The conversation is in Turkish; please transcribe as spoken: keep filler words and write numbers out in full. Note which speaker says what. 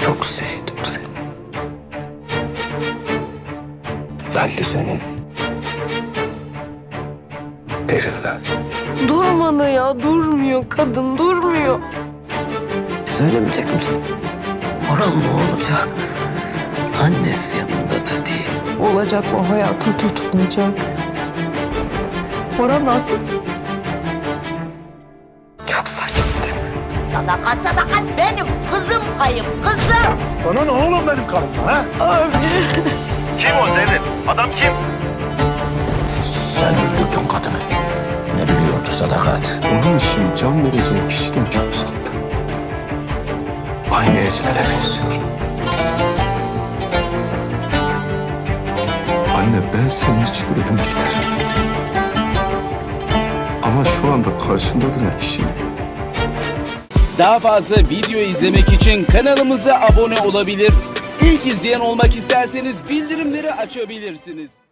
Speaker 1: Çok sevdim seni. Ben de senin. Evimden.
Speaker 2: Durmadı ya, durmuyor kadın, durmuyor.
Speaker 1: Söylemeyecek misin? Orhan ne olacak? Annesi yanında da değil.
Speaker 2: Olacak, o hayata tutunacak. Orhan nasıl?
Speaker 1: Çok saçma değil mi?
Speaker 3: Sadakat sadakat benim kızım kayıp kızım.
Speaker 4: Sana ne oğlum benim karımla ha?
Speaker 2: Abi.
Speaker 4: Kim o Zeynep? Adam kim?
Speaker 5: Sen öldürdün kadını. Ne biliyordu Sadakat?
Speaker 1: Onun için can vereceğim kişiden çok uzakta. Aynı Ecmel'e benziyor. Anne, ben senin için ölüm giderim. Ama şu anda karşımda duran kişi
Speaker 6: Daha fazla video izlemek için kanalımıza abone olabilir. İlk izleyen olmak isterseniz bildirimleri açabilirsiniz.